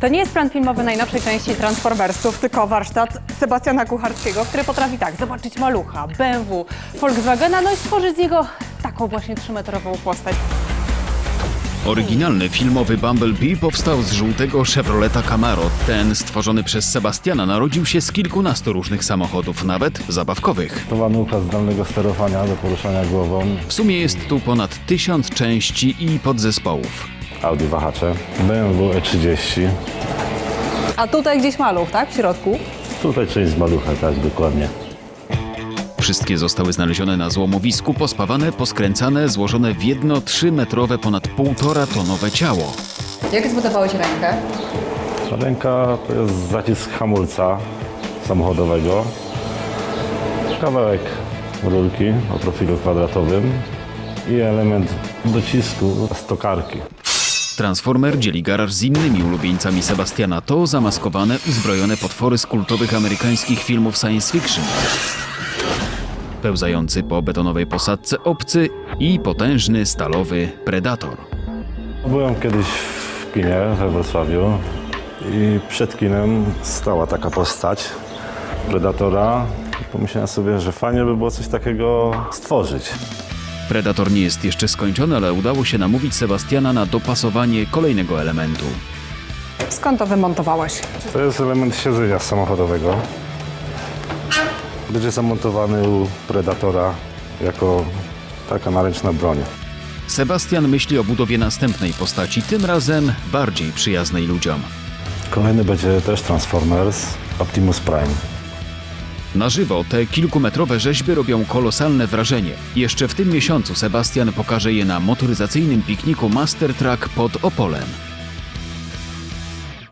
To nie jest plan filmowy najnowszej części Transformersów, tylko warsztat Sebastiana Kucharskiego, który potrafi zobaczyć malucha, BMW, Volkswagena, no i stworzyć z niego taką właśnie 3-metrową postać. Oryginalny filmowy Bumblebee powstał z żółtego Chevroleta Camaro. Ten, stworzony przez Sebastiana, narodził się z kilkunastu różnych samochodów, nawet zabawkowych. To manułka zdalnego sterowania do poruszania głową. W sumie jest tu ponad 1000 części i podzespołów. Audi wahacze, BMW E30. A tutaj gdzieś maluch, tak? W środku. Tutaj część z malucha, tak dokładnie. Wszystkie zostały znalezione na złomowisku, pospawane, poskręcane, złożone w jedno 3-metrowe, ponad 1,5-tonowe ciało. Jak zbudowałeś rękę? Ręka to jest zacisk hamulca samochodowego. Kawałek rurki o profilu kwadratowym i element docisku z tokarki. Transformer dzieli garaż z innymi ulubieńcami Sebastiana. To zamaskowane, uzbrojone potwory z kultowych amerykańskich filmów science fiction. Pełzający po betonowej posadce obcy i potężny stalowy Predator. Byłem kiedyś w kinie we Wrocławiu i przed kinem stała taka postać Predatora. Pomyślałem sobie, że fajnie by było coś takiego stworzyć. Predator nie jest jeszcze skończony, ale udało się namówić Sebastiana na dopasowanie kolejnego elementu. Skąd to wymontowałeś? To jest element siedzenia samochodowego. Będzie zamontowany u Predatora jako taka naręczna broń. Sebastian myśli o budowie następnej postaci, tym razem bardziej przyjaznej ludziom. Kolejny będzie też Transformers Optimus Prime. Na żywo te kilkumetrowe rzeźby robią kolosalne wrażenie. Jeszcze w tym miesiącu Sebastian pokaże je na motoryzacyjnym pikniku Master Truck pod Opolem.